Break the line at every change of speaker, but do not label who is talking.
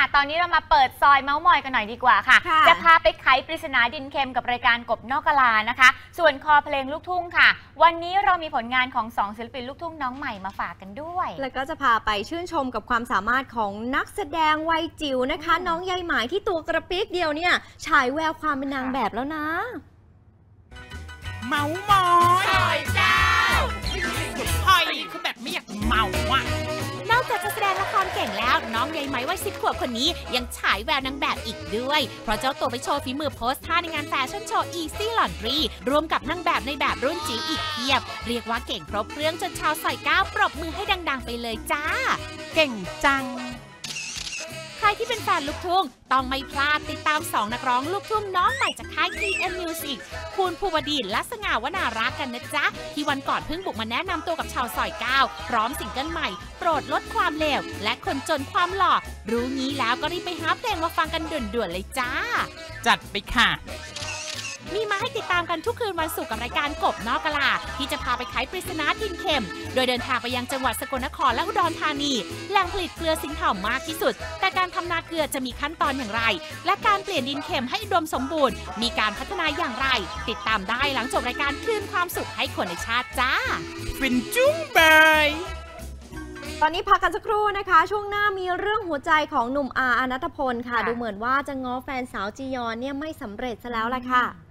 ค่ะตอนนี้เรามาเปิดซอยเมาส์มอยกันหน่อยดีกว่าค่ะจะพาไปไขปริศนาดินเค็มกับรายการกบนอกกะลานะคะส่วนคอเพลงลูกทุ่งค่ะวันนี้เรามีผลงานของ2ศิลปินลูกทุ่งน้องใหม่มาฝากกันด้วย
แล้วก็จะพาไปชื่นชมกับความสามารถของนักแสดงวัยจิ๋วนะคะน้องใยไหมที่ตัวกระปิกเดียวเนี่ยฉายแววความเป็นนางแบบแล้วนะ
เมาส์มอยเจ้าหอยคือแบบไม่อยากเมาอ่ะ
นอกจากจะแสดงละครเก่งแล้วน้องใยไหมวัย10 ขวบคนนี้ยังฉายแววนางแบบอีกด้วยเพราะเจ้าตัวไปโชว์ฝีมือโพสท่าในงานแฟชั่นโชว์ Easy Laundry รวมกับนางแบบในแบบรุ่นจิ๋วอีกเพียบเรียกว่าเก่งครบเครื่องจนชาวสอยก้าวปรบมือให้ดังๆไปเลยจ้า
เก่งจัง
ใครที่เป็นแฟนลูกทุ่งต้องไม่พลาดติดตาม2นักร้องลูกทุ่งน้องใหม่จากค่าย TM Music คุณภูวดีและสง่าวนารักกันนะจ๊ะที่วันก่อนเพิ่งบุกมาแนะนำตัวกับชาวซอย9พร้อมซิงเกิลใหม่โปรดลดความเลวและคนจนความหล่อรู้งี้แล้วก็รีบไปหาเพลงมาฟังกันด่วนๆเลยจ้า
จัดไปค่ะ
มีมาให้ติดตามกันทุกคืนวันศุกร์กับรายการกบนอกกะลาที่จะพาไปไขปริศนาดินเค็มโดยเดินทางไปยังจังหวัดสกลนครและอุดรธานีแหล่งผลิตเกลือสิงห์เผ่ามากที่สุดแต่การทำนาเกลือจะมีขั้นตอนอย่างไรและการเปลี่ยนดินเค็มให้อุดมสมบูรณ์มีการพัฒนาอย่างไรติดตามได้หลังจบรายการคืนความสุขให้คนในชาติจ้า
ฟินจุ้งบาย
ตอนนี้พักกันสักครู่นะคะช่วงหน้ามีเรื่องหัวใจของหนุ่มอาร์ ณัฐพลค่ะดูเหมือนว่าจะง้อแฟนสาวจียอนเนี่ยไม่สำเร็จซะแล้วล่ะค่ะ